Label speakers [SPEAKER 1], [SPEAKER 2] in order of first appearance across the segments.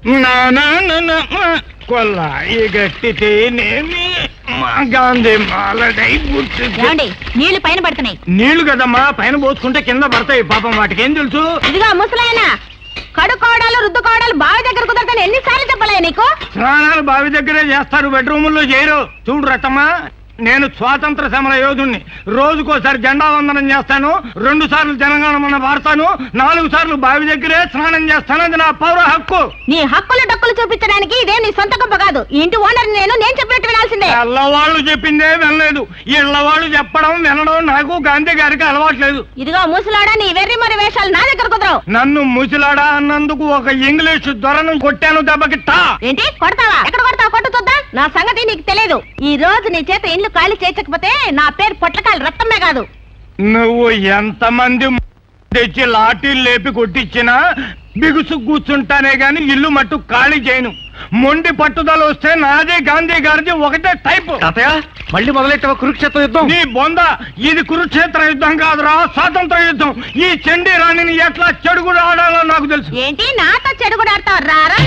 [SPEAKER 1] కొల్లాయి గట్టితేనేమి మా గాంధీ మాలడై
[SPEAKER 2] పుట్టి నీళ్లు పైన పడుతున్నాయి.
[SPEAKER 1] నీళ్లు కదమ్మా, పైన పోసుకుంటే కింద పడతాయి. పాపం వాటికి ఏం తెలుసు?
[SPEAKER 2] ఇదిగా ముసలాయన కడుకోవడాలు రుద్దుకోవడాలు బావి దగ్గర కుదరతాను ఎన్నిసార్లు చెప్పలే నీకు?
[SPEAKER 1] స్నానాలు బావి దగ్గరే చేస్తారు, బెడ్రూముల్లో చేయరు. చూడు రతమ్మా, నేను స్వాతంత్ర సమర యోధుణ్ణి. రోజుకోసారి జెండా వందనం చేస్తాను, 2 సార్లు జనగణమన వాడతాను, 4 సార్లు బావి దగ్గరే స్నానం చేస్తాను. అది నా పౌర హక్కు.
[SPEAKER 2] నీ హక్కులు డక్కులు చూపించడానికి ఇదే నీ సొంత గొప్ప కాదు. ఇంటి ఓనర్ నేను చెప్పినట్టు వినాల్సిందే.
[SPEAKER 1] ఇళ్ళవాళ్ళు చెప్పిందే వినలేదు. ఇళ్ళవాళ్ళు చెప్పడం వినడం నాకు గాంధీ గారికి అలవాట్లేదు.
[SPEAKER 2] ఇదిగో ముసలాడా, నీ వెర్రి మరి వేషాలు నా దగ్గర కుదరవు.
[SPEAKER 1] నన్ను ముసలాడా అన్నందుకు ఒక ఇంగ్లీష్ దొరను కొట్టాను దెబ్బకిట్టా.
[SPEAKER 2] ఏంటి కొడతావా? ఎక్కడ కొడతావు? కొట్టు చూద్దాం. నా సంగతి నీకు తెలియదు. ఈ రోజు నీ చేత ఇల్లు ఖాళీ చేయకపోతే నా పేరు పొట్లకాయలు రక్తమే కాదు.
[SPEAKER 1] నువ్వు ఎంతమంది తెచ్చి లాఠీలు లేపి కొట్టించినా బిగుసు కూర్చుంటానే గాని ఇల్లు మట్టు ఖాళీ చేయను. మొండి పట్టుదల వస్తే నాదే గాంధీ గారిది ఒకటే టైపు.
[SPEAKER 3] మళ్ళీ మొదలెట్టవ కురుక్షేత్ర యుద్ధం?
[SPEAKER 1] నీ బొంద, ఇది కురుక్షేత్ర యుద్ధం కాదురా, స్వాతంత్ర యుద్ధం. ఈ చండీ రాణిని ఎట్లా చెడుగుడు ఆడాలో నాకు తెలుసు.
[SPEAKER 2] ఏంటి నాతో చెడుగుడు ఆడతావు? రారా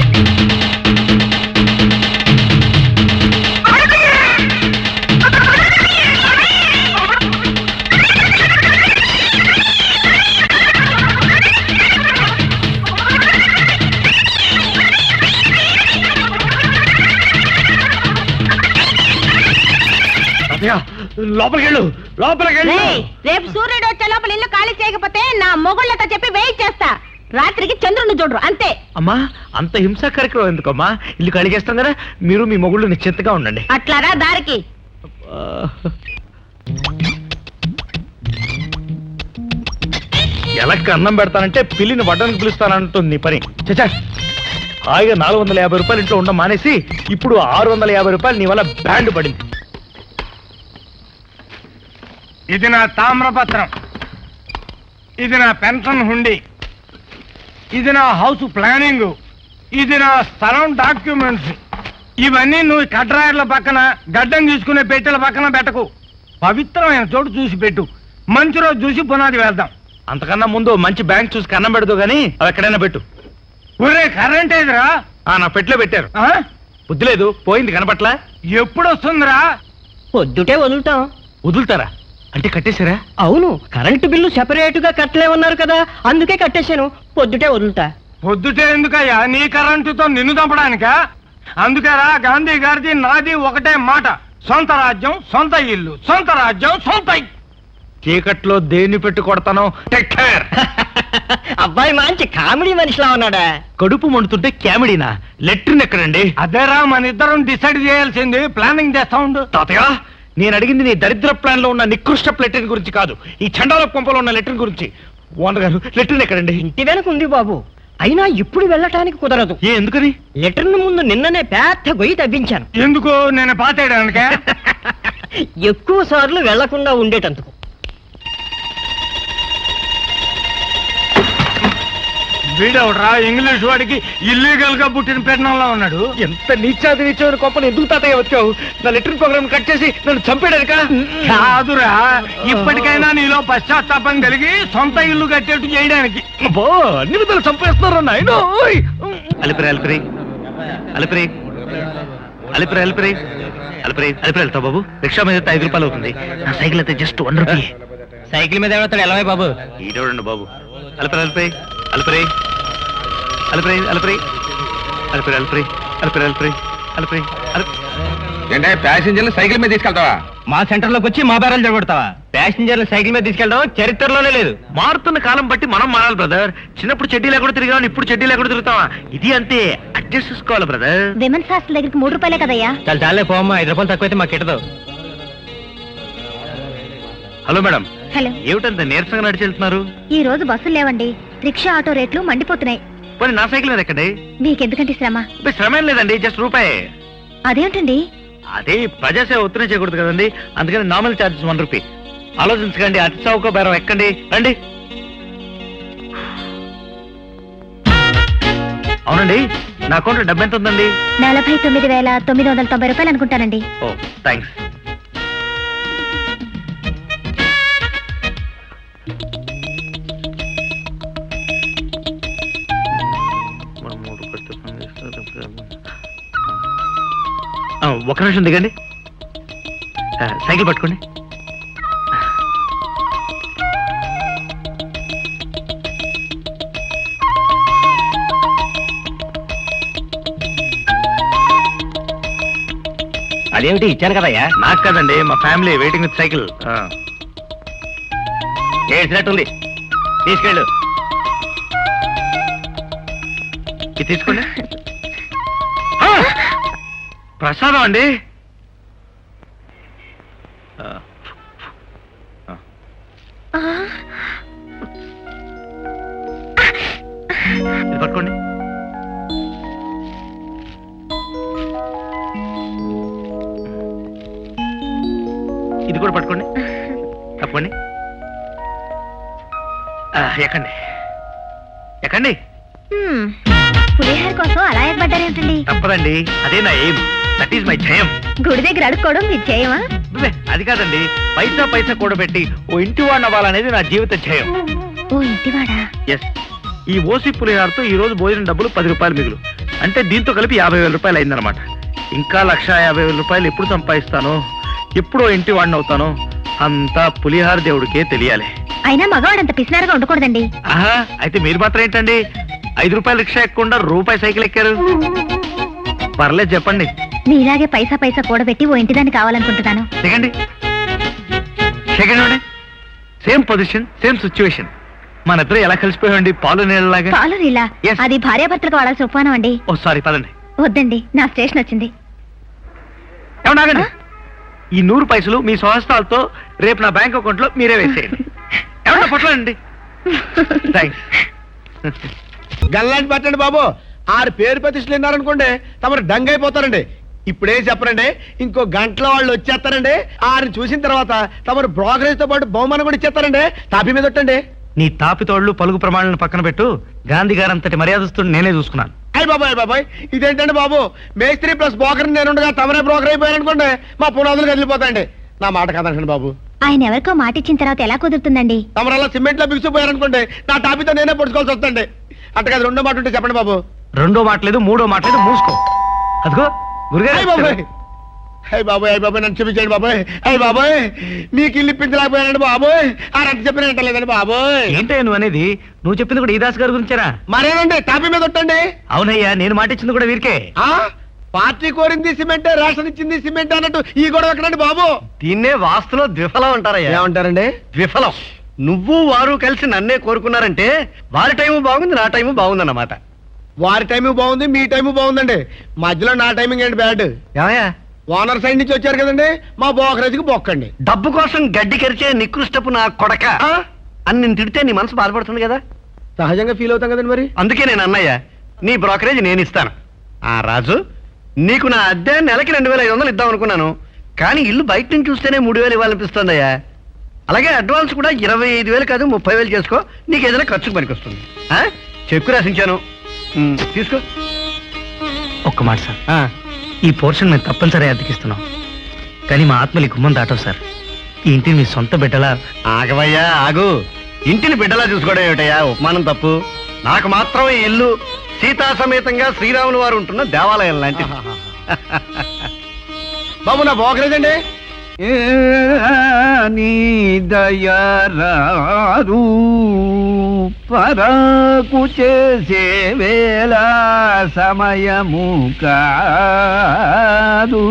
[SPEAKER 1] లోపలికెళ్ళు, లోపలికెళ్ళు.
[SPEAKER 2] రేపు సూర్యుడు వచ్చే లోపల ఇల్లు ఖాళీ చేయకపోతే నా మొగుళ్ళతో చెప్పి వెయిట్ చేస్తా. రాత్రికి చంద్రుని చూడరు అంతే.
[SPEAKER 3] అమ్మా, అంత హింసా కార్యక్రమం ఎందుకమ్మా? ఇల్లు ఖాళీ చేస్తాం కదా, మీరు మీ మొగుళ్ళు నిశ్చింతగా ఉండండి.
[SPEAKER 2] అట్లారా దారికి.
[SPEAKER 3] ఎలక్కి అన్నం పెడతానంటే పిల్లిని వడ్డానికి పిలుస్తానంటుంది నీ పని. చచ్చా, హాయిగా 450 రూపాయలు ఇంట్లో ఉండ మానేసి ఇప్పుడు 650 రూపాయలు నీ వల్ల బ్యాండ్ పడింది.
[SPEAKER 1] ఇది నా తామ్రపత్రం, ఇది నా పెన్షన్ హుండీ, ఇది నా హౌస్ ప్లానింగ్, ఇది నా స్థలం డాక్యుమెంట్స్. ఇవన్నీ నువ్వు కడ్రాయర్ల పక్కన గడ్డం తీసుకునే పెట్టెల పక్కన పెట్టకు. పవిత్రమైన చోటు చూసి పెట్టు. మంచి రోజు చూసి పునాది వేద్దాం.
[SPEAKER 3] అంతకన్నా ముందు మంచి బ్యాంక్ చూసి కన్నం పెడదు గానీ అవి ఎక్కడైనా పెట్టు.
[SPEAKER 1] ఒరే కరెంట్ ఏదిరా?
[SPEAKER 3] నా పెట్లో పెట్టారు. బుద్ధి లేదు, పోయింది కనపట్లా.
[SPEAKER 1] ఎప్పుడు వస్తుందిరా?
[SPEAKER 4] పొద్దుటే వదులుతాం.
[SPEAKER 3] వదులుతారా అంటే కట్టేశారా?
[SPEAKER 4] అవును, కరెంటు బిల్లు సెపరేట్ గా కట్టలేమన్నారు కదా, అందుకే కట్టేశాను. పొద్దుటే వదులుతా.
[SPEAKER 1] పొద్దుటే ఎందుకయ్యా? నీ కరెంటుతో నిన్ను చంపడానికా? అందుకేరా గాంధీ గారిది నాది ఒకటే మాట, సొంత రాజ్యం సొంత ఇల్లు, సొంత రాజ్యం సొంత.
[SPEAKER 3] చీకట్లో దేన్ని పెట్టి కొడతానో టేక్ కేర్.
[SPEAKER 4] అబ్బాయి మంచి కామెడీ మనిషిలా ఉన్నాడా?
[SPEAKER 3] కడుపు మండుతుంటే కామెడీనా? లెట్రిన్ ఎక్కడండి?
[SPEAKER 1] అదేరా మన ఇద్దరం డిసైడ్ చేయాల్సింది. ప్లానింగ్ చేస్తా ఉండు.
[SPEAKER 3] తాతయ్య, నేను అడిగింది నీ దరిద్ర ప్లాన్ లో ఉన్న నికృష్ట లెట్రిన్ గురించి కాదు, ఈ చండాల కొంపలో ఉన్న లెట్రిన్ గురించి. ఓనర్ గారు, లెట్రిన్ ఎక్కడండి?
[SPEAKER 4] ఇంటి వెనక ఉంది బాబు, అయినా ఇప్పుడు వెళ్ళటానికి కుదరదు.
[SPEAKER 3] ఎందుకని?
[SPEAKER 4] లెటర్ను ముందు నిన్ననే పెద్ద గొయ్యి తవ్వించాను.
[SPEAKER 1] ఎందుకు? నేను పాతేయడానికే.
[SPEAKER 4] ఎక్కువ సార్లు వెళ్లకుండా ఉండేటందుకు.
[SPEAKER 1] వీడవడరా ఇంగ్లీష్ వాడికి ఇల్లీగల్ గా పుట్టిన పెట్టడంలో ఉన్నాడు.
[SPEAKER 3] ఎంత నీచాది నీచమైన కొంపను ఎందుకు తాతయ్య వచ్చావు? నా లెట్రిన్ ప్రోగ్రామ్ కట్ చేసి నన్ను చంపేడానిక?
[SPEAKER 1] కాదురా, ఇప్పటికైనా నీలో పశ్చాత్తాపం కలిగి సొంత ఇల్లు కట్టేట్టు చేయడానికి.
[SPEAKER 3] అన్ని విధాలు చంపేస్తున్నారు నాయన. అలిపిరి అలిపిరి అలిపిరి అలిపిరి అలిపిరి అలిపిరి అలిపిరి వెళ్తావు బాబు. రిక్షా మీద 5 రూపాయలు అవుతుంది. నా సైకిల్ అయితే జస్ట్ 1 రూపీ.
[SPEAKER 4] సైకిల్ మీద ఎవడతాడు? ఎలా బాబు?
[SPEAKER 3] ఈడోడండి బాబు. అలిపిరి అలిపిరి అలిపిరి అలిపిరి అలిపిరి అలిపిరి అలిపిరి అలిపిరి అలిపిరి అలిపిరి
[SPEAKER 5] అంటే ప్యాసింజర్లు సైకిల్ మీద తీసుకెళ్తావా?
[SPEAKER 4] మా సెంటర్ లోకి వచ్చి మా బేరాలు జరగొడతావా? ప్యాసింజర్లు సైకిల్ మీద తీసుకెళ్ళడం చరిత్రలోనే లేదు.
[SPEAKER 3] మారుతున్న కాలం బట్టి మనం మారాలి బ్రదర్. చిన్నప్పుడు చెడ్డీ లేకుండా తిరిగాం, ఇప్పుడు చెడ్డీ లేకుండా తిరుగుతావా? ఇది అంతే, అడ్జస్ట్ చేసుకోవాలి బ్రదర్.
[SPEAKER 2] విమెన్స్ హాస్టల్ దగ్గరికి 3 రూపాయలే కదయ్యా.
[SPEAKER 4] చాలా చాలే పోమ్మా, 5 రూపాయలు తక్కువైతే మాకు కిట్టదు.
[SPEAKER 3] Hello madam.
[SPEAKER 2] హలో.
[SPEAKER 3] ఏమిటంత నీరసంగా నడిచి వెళ్తున్నారు?
[SPEAKER 2] ఈ రోజు బస్సులు లేవండి, రిక్షా ఆటో రేట్లు మండిపోతున్నాయి.
[SPEAKER 3] పోనీ నా సైకిల్ మీద ఎక్కండి.
[SPEAKER 2] మీకెందుకంటే శ్రమ?
[SPEAKER 3] శ్రమ ఏం లేదండి, జస్ట్ రూపాయి.
[SPEAKER 2] అదేంటండి?
[SPEAKER 3] అదే ప్రజాసేవ ఒత్తిడి చేయకూడదు కదండి, అందుకని నార్మల్ ఛార్జెస్ 1 రూపీ. ఆలోచించకండి, అతి చౌక బేరం ఎక్కండి, రండి. అవునండి, నా అకౌంట్లో డబ్బు ఎంత ఉందండి?
[SPEAKER 2] 49,990 రూపాయలు అనుకుంటానండి.
[SPEAKER 3] Oh thanks. ఒక నిమిషం దిగండి. సైకిల్ పట్టుకోండి.
[SPEAKER 4] అదేమిటి ఇచ్చాను కదయ్యా.
[SPEAKER 3] నాకు కదండి, మా ఫ్యామిలీ వెయిటింగ్ విత్ సైకిల్.
[SPEAKER 4] ఏడ్చినట్టుంది, తీసుకెళ్ళు.
[SPEAKER 3] ఇది తీసుకోండి. ప్రసాదం అండి. ఇది పట్టుకోండి. ఇది కూడా పట్టుకోండి. తప్పండి. ఎక్కండి ఎక్కండి.
[SPEAKER 2] పులిహార కోసం అలా ఏర్పడ్డారేమిటండి?
[SPEAKER 3] తప్పదండి, అదే నా ఎయిమ్. దట్ ఈస్ మై జయం.
[SPEAKER 2] గుడి దగ్గర అడుక్కోవడం మీ జయమా?
[SPEAKER 3] అది కాదండి, పైసా పైసా కూడబెట్టి ఓ ఇంటి వాడిని అవ్వాలనేది నా జీవిత ధ్యేయం.
[SPEAKER 2] ఓ ఇంటివాడా?
[SPEAKER 3] ఎస్. ఈ ఓసి పులిహారతో ఈ రోజు భోజనం డబ్బులు 10 రూపాయలు మిగులు. అంటే దీంతో కలిపి 50,000 రూపాయలు అయిందనమాట. ఇంకా 1,50,000 రూపాయలు ఎప్పుడు సంపాదిస్తానో, ఎప్పుడో ఇంటి వాడిని అవుతానో అంతా పులిహార దేవుడికే తెలియాలి.
[SPEAKER 2] అయినా మగవాడంత పిసినారుగా ఉండకూడదండి.
[SPEAKER 3] ఆహా, అయితే మీరు మాత్రం ఏంటండి 5 రూపాయల రిక్షా ఎక్కకుండా రూపాయి సైకిల్ ఎక్కారు? పర్లేదు చెప్పండి.
[SPEAKER 2] మీలాగే పైసా పైసా కూడబెట్టి ఓ ఇంటిదాన్ని కావాలనుకుంటున్నాను.
[SPEAKER 3] దిగండి. Second same position, same situation. మన ఇద్దరు ఎలా కలిసిపోయామండి, పాలు నీళ్ళలాగా.
[SPEAKER 2] పాలు నీళ్ళ?
[SPEAKER 3] Yes.
[SPEAKER 2] అది భార్యాభర్తలకు వాడాల్సిన ఉపమానం అండి.
[SPEAKER 3] ఓ సారీ, పదండి.
[SPEAKER 2] వద్దండి, నా స్టేషన్ వచ్చింది.
[SPEAKER 3] ఏమన్నా ఆగండి. ఈ 100 పైసలు మీ స్వహస్తాలతో రేపు నా బ్యాంక్ అకౌంట్ లో మీరే వేసేయండి. ఏమన్నా పొట్లండి. థ్యాంక్స్.
[SPEAKER 1] గల్లాంటి పట్టండి బాబు. 6 పేరు ప్రతిష్టలు విన్నారనుకోండి, తమరు డంగ్ అయిపోతారండి. ఇప్పుడేం చెప్పరండి, ఇంకో గంటలో వాళ్ళు వచ్చేస్తారండి. 6 చూసిన తర్వాత తమరు బ్రోకరేజ్ తో పాటు బహుమానం కూడా ఇచ్చేస్తారండి. తాపి మీద ఒట్టండి.
[SPEAKER 3] నీ తాపితోళ్లు పలుగు ప్రమాణాలను పక్కన పెట్టు. గాంధీ గారంతటి మర్యాదస్తుని నేనే చూసుకున్నాను.
[SPEAKER 1] అయ్య బాబాయ్ ఇదేంటండి బాబు, మేస్త్రి ప్లస్ బ్రోకర్ నేనుండగా తమరే బ్రోకర్ అయిపోయారనుకోండి, మా పునాదులు కదిలిపోతాయండి. నా మాట కాదండి బాబు.
[SPEAKER 2] ఆయన ఎవరికో మాట ఇచ్చిన తర్వాత ఎలా కుదురుతుందండి?
[SPEAKER 1] తమరల్లా సిమెంట్ లో బిగిసిపోయారనుకోండి, నా టాపితో నేనే పొడుచుకోవాల్సి వస్తుంది. అట్టగా 2వ మాట ఉంటే చెప్పండి బాబు.
[SPEAKER 3] 2వ మాట లేదు, 3వ మాట లేదు, మూసుకో. అదిగో గురుగారు.
[SPEAKER 1] అయ్య బాబాయ్ నన్ను చూపించండి బాబాయ్. అయ్య బాబాయ్ మీకు ఇల్లు ఇప్పించలేకపోయానండి బాబోయ్. ఆ రద్దు చెప్పిన లేదండి బాబోయ్.
[SPEAKER 3] ఏంటయ్యా నువ్వు అనేది? నువ్వు చెప్పింది కూడా ఈ దాస్ గారి గురించేనా?
[SPEAKER 1] మరేనండి, టాపీ మీద ఒట్టండి.
[SPEAKER 3] అవునయ్యా, నేను మాట ఇచ్చింది కూడా వీరికే.
[SPEAKER 1] ఆ పార్టీ కోరింది సిమెంటే, రేషన్ ఇచ్చింది సిమెంట్ అన్నట్టు ఈ గొడవ ఎక్కడండి బాబు?
[SPEAKER 4] దీన్నే వాస్తులో ద్విఫలం అంటారయ్యా.
[SPEAKER 1] ఏమంటారండి?
[SPEAKER 4] ద్విఫలం. నువ్వు వారు కలిసి నన్నే కోరుకున్నారంటే వారి టైము బాగుంది, నా టైము బాగుందన్నమాట.
[SPEAKER 1] వారి టైము బాగుంది, మీ టైము బాగుందండి. మధ్యలో నా టైమింగ్ ఏంటి బ్యాడ్?
[SPEAKER 4] ఏమయ్యా,
[SPEAKER 1] ఓనర్ సైడ్ నుంచి వచ్చారు కదండి, మా బోకరేజ్కి బొక్కండి.
[SPEAKER 4] డబ్బు కోసం గడ్డి కరిచే నికృష్టపు నా కొడక అని నేను తిడితే నీ మనసు బాధపడుతుంది కదా.
[SPEAKER 1] సహజంగా ఫీల్ అవుతాం కదండి మరి.
[SPEAKER 4] అందుకే నేను అన్నయ్య, నీ బ్రోకరేజ్ నేను ఇస్తాను. ఆ రాజు, నీకు నా అద్దె నెలకి 2,500 ఇద్దాం అనుకున్నాను, కానీ ఇల్లు బయట నుంచి చూస్తేనే 3,000 ఇవ్వాలనిపిస్తుందయ్యా. అలాగే అడ్వాన్స్ కూడా 25,000 కాదు 30,000 చేసుకో, నీకు ఏదైనా ఖర్చుకు పనికొస్తుంది. చెక్కు రాసించాను, తీసుకో.
[SPEAKER 3] ఒక్క మాట సార్, ఈ పోర్షన్ మేము తప్పనిసరి అద్దెకిస్తున్నాం, కానీ మా ఆత్మలి గుమ్మం దాటవు సార్. ఈ ఇంటిని మీ సొంత బిడ్డలా.
[SPEAKER 4] ఆగవయ్యా ఆగు. ఇంటిని బిడ్డలా చూసుకోవడం ఏమిటయ్యా, ఉపమానం తప్పు. నాకు మాత్రం ఈ ఇల్లు సీతా సమేతంగా శ్రీరాములు వారు ఉంటున్న దేవాలయం లాంటిది.
[SPEAKER 1] బాబు నా బోకరేజ్ అండి.
[SPEAKER 6] నీ దయరారు పరకు చేసే వేళ సమయము కాదు.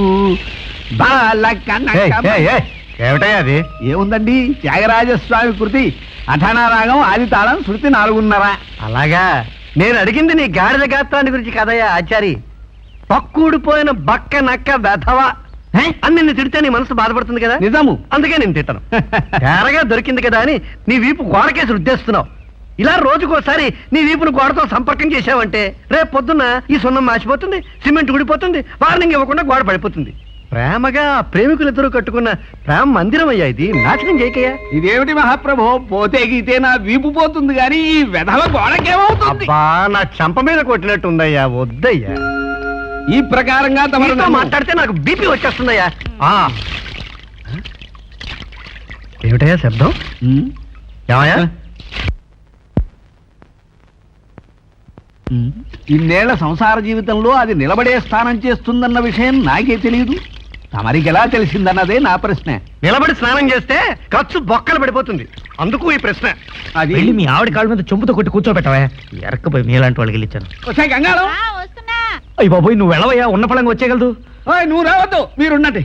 [SPEAKER 4] ఏమిటయ్యా అది?
[SPEAKER 6] ఏముందండి, త్యాగరాజస్వామి కృతి అఠానా రాగం, ఆది తాళం, శృతి 4:30.
[SPEAKER 4] అలాగా, నేను అడిగింది నీ గాడిద గాత్రాన్ని గురించి కదయ్యా ఆచారి. పక్కూడిపోయిన బక్క నక్క వెధవ అని నిన్ను తిడితే నీ మనసు బాధపడుతుంది కదా.
[SPEAKER 6] నిజము,
[SPEAKER 4] అందుకే నేను తిట్టను. తేరగా దొరికింది కదా అని నీ వీపు గోడకేసి రుద్దేస్తున్నావు. ఇలా రోజుకోసారి నీ వీపును గోడతో సంపర్కం చేసావంటే రేపు పొద్దున్న ఈ సున్నం మాసిపోతుంది, సిమెంట్ ఊడిపోతుంది, వార్నింగ్ ఇవ్వకుండా గోడ పడిపోతుంది. ప్రేమగా ప్రేమికులిద్దరూ కట్టుకున్న ప్రేమ మందిరం అయ్యా ఇది, నాశనం చేయకయ్యా.
[SPEAKER 6] ఇదేమిటి మహాప్రభు, పోతే గీతే నా వీపు పోతుంది కానీ ఈ వెధవ గోడకేమవుతుంది?
[SPEAKER 4] అబ్బా, నా చంప మీద కొట్టినట్టు ఉందయ్యా, వద్దయ్యా.
[SPEAKER 6] ఈ ప్రకారంగా తమరు
[SPEAKER 4] మాట్లాడితే నాకు బీపీ వచ్చేస్తుందయ్యా. ఏమిటయ్యా శబ్దం? ఏమయ్యా?
[SPEAKER 6] ఇన్నేళ్ల సంసార జీవితంలో అది నిలబడే స్థానం చేస్తుందన్న విషయం నాకే తెలియదు. తమరికి ఎలా తెలిసిందన్నదే నా ప్రశ్న.
[SPEAKER 4] నిలబడి స్నానం చేస్తే ఖర్చు బొక్కలు పడిపోతుంది, అందుకు ఈ ప్రశ్న.
[SPEAKER 6] అది
[SPEAKER 3] వెళ్ళి మీ ఆవిడ కాళ్ళ మీద చెంపుతో కొట్టి కూర్చోబెట్టవా, ఎరకపోయి మీలాంటి వాళ్ళకి వెళ్ళిచ్చాను.
[SPEAKER 6] వచ్చాయి గంగాళం.
[SPEAKER 2] వస్తున్నా.
[SPEAKER 3] అయ్యి బాబోయ్, నువ్వు వెళ్ళవయ్యా, ఉన్న పళంగా వచ్చేయగలదు.
[SPEAKER 6] ఓయ్, నువ్వు రావద్దు, మీరున్నట్టు